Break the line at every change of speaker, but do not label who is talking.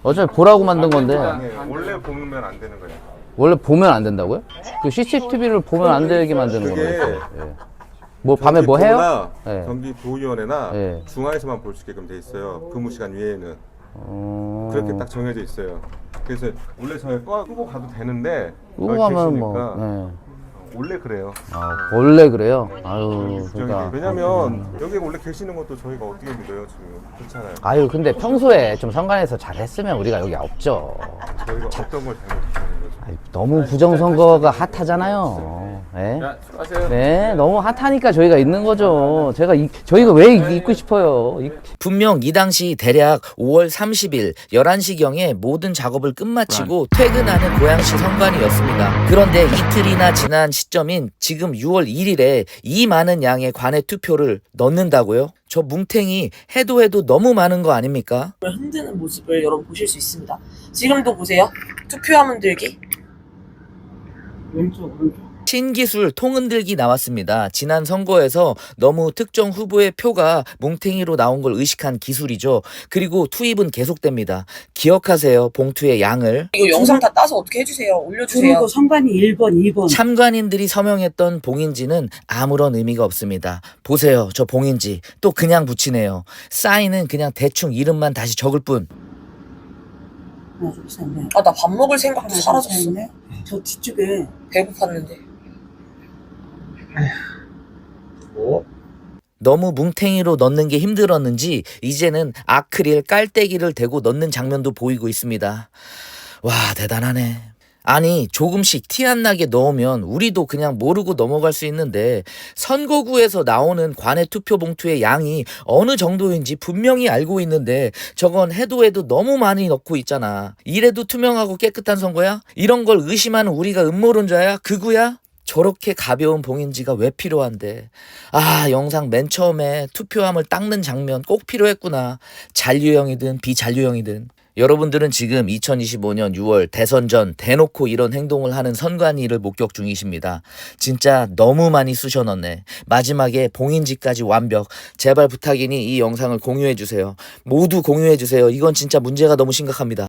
어차피 보라고 만든 건데.
원래 보면 안 되는 거예요.
원래 보면 안 된다고요? 그 CCTV를 보면 안 되게 만드는
그게
거예요. 예. 뭐 밤에 뭐 해요? 예.
경기도의원회나
예.
중앙에서만 볼 수 있게끔 돼 있어요. 근무 시간 외에는 그렇게 딱 정해져 있어요. 그래서 원래 저희 끄고 가도 되는데
끄고
여기
가면
계시니까
뭐.
원래 그래요.
원래 그래요? 아유, 그러니까.
왜냐면 여기 원래 계시는 것도 저희가 어떻게 믿어요 지금. 그렇잖아요.
아유, 근데 평소에 좀 선관에서 잘했으면 우리가 여기 없죠.
저희가 어떤 걸 잘못했다는 거죠.
아니, 너무 부정선거가 핫하잖아요. 예?
수고하세요.
네, 너무 핫하니까 저희가 있는 거죠. 저희가 왜 있고 싶어요?
분명 이 당시 대략 5월 30일 11시경에 모든 작업을 끝마치고 퇴근하는 고양시 선관위였습니다. 그런데 이틀이나 지난 시점인 지금 6월 1일에 이 많은 양의 관외 투표를 넣는다고요? 저 뭉탱이 해도 너무 많은 거 아닙니까?
흔드는 모습을 여러분 보실 수 있습니다. 지금도 보세요. 투표함 흔들기. 왼쪽.
신기술 통흔들기 나왔습니다. 지난 선거에서 너무 특정 후보의 표가 뭉탱이로 나온 걸 의식한 기술이죠. 그리고 투입은 계속됩니다. 기억하세요. 봉투의 양을.
이거 영상 다 따서 어떻게 해주세요. 올려주세요.
그리고 선관위 1번, 2번.
참관인들이 서명했던 봉인지는 아무런 의미가 없습니다. 보세요. 저 봉인지 또 그냥 붙이네요. 사인은 그냥 대충 이름만 다시 적을 뿐.
하나, 둘, 셋, 넷.
아, 나 밥 먹을 생각도
하나, 둘,
사라졌어.
셋, 넷. 저 뒤쪽에
배고팠는데.
너무 뭉탱이로 넣는 게 힘들었는지 이제는 아크릴 깔때기를 대고 넣는 장면도 보이고 있습니다. 와, 대단하네. 아니, 조금씩 티 안 나게 넣으면 우리도 그냥 모르고 넘어갈 수 있는데 선거구에서 나오는 관외 투표 봉투의 양이 어느 정도인지 분명히 알고 있는데 저건 해도 너무 많이 넣고 있잖아. 이래도 투명하고 깨끗한 선거야? 이런 걸 의심하는 우리가 음모론자야? 극우야? 저렇게 가벼운 봉인지가 왜 필요한데. 아, 영상 맨 처음에 투표함을 닦는 장면 꼭 필요했구나. 잔류형이든 비잔류형이든. 여러분들은 지금 2025년 6월 대선 전 대놓고 이런 행동을 하는 선관위를 목격 중이십니다. 진짜 너무 많이 쑤셔 넣네. 마지막에 봉인지까지 완벽. 제발 부탁이니 이 영상을 공유해주세요. 모두 공유해주세요. 이건 진짜 문제가 너무 심각합니다.